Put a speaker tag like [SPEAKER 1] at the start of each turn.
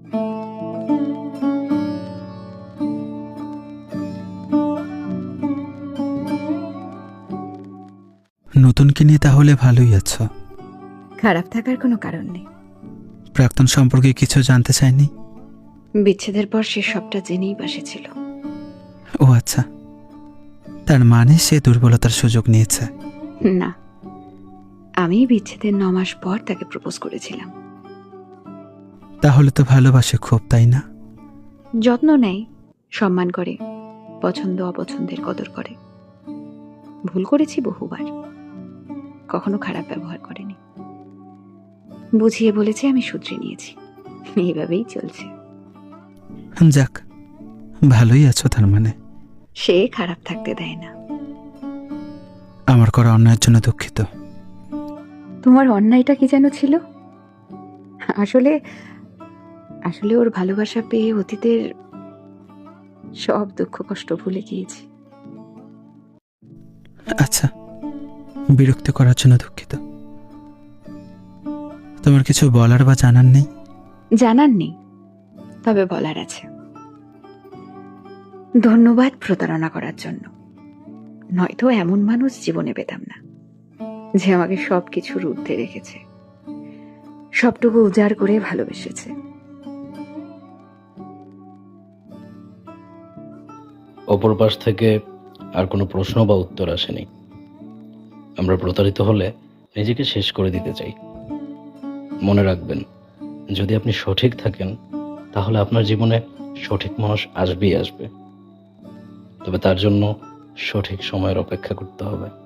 [SPEAKER 1] নতুনকে নিয়ে তাহলে ভালোই আছো?
[SPEAKER 2] খারাপ থাকার কোনো কারণ নেই।
[SPEAKER 1] প্রাক্তন সম্পর্কে কিছু জানতে চাইনি?
[SPEAKER 2] বিচ্ছেদের পর সে সবটা জেনেই বসেছিল।
[SPEAKER 1] ও আচ্ছা, তার মানে সে দুর্বলতার সুযোগ নিয়েছে।
[SPEAKER 2] না, আমি বিচ্ছেদের 9 মাস পর তাকে প্রপোজ করেছিলাম।
[SPEAKER 1] তাহলে তো ভালোবাসে খুব, তাই না?
[SPEAKER 2] যত্ন নেয়, সম্মান করে, পছন্দ অপছন্দের কদর করে। ভুল করেছি বহুবার, কখনো খারাপ ব্যবহার করেনি। বুঝিয়ে বলেছে, আমি শুধরে নিয়েছি। এইভাবেই চলছে।
[SPEAKER 1] যাক, ভালোই আছো তার মানে।
[SPEAKER 2] সে খারাপ থাকতে দেয় না।
[SPEAKER 1] আমার করা অন্যায়ের জন্য দুঃখিত।
[SPEAKER 2] তোমার অন্যায়টা কি যেন ছিল? আসলে আসলে ওর ভালোবাসা পেয়ে অতীতের সব দুঃখ কষ্ট ভুলে গিয়েছি।
[SPEAKER 1] আচ্ছা, বিরক্ত করার জন্য দুঃখিত। তোমার কিছু বলার বা জানার নেই?
[SPEAKER 2] জানার নেই, তবে বলার আছে। ধন্যবাদ প্রতারণা করার জন্য। নয়তো এমন মানুষ জীবনে পেতাম না, যে আমাকে সবকিছুর ঊর্ধ্বে রেখেছে, সবটুকু উজাড় করে ভালোবেসেছে।
[SPEAKER 3] অপর পাশ থেকে আর কোনো প্রশ্ন বা উত্তর আসেনি। আমরা প্রতারিত হলে নিজেকে শেষ করে দিতে চাই। মনে রাখবেন, যদি আপনি সঠিক থাকেন তাহলে আপনার জীবনে সঠিক মানুষ আসবেই আসবে। তবে তার জন্য সঠিক সময়ের অপেক্ষা করতে হবে।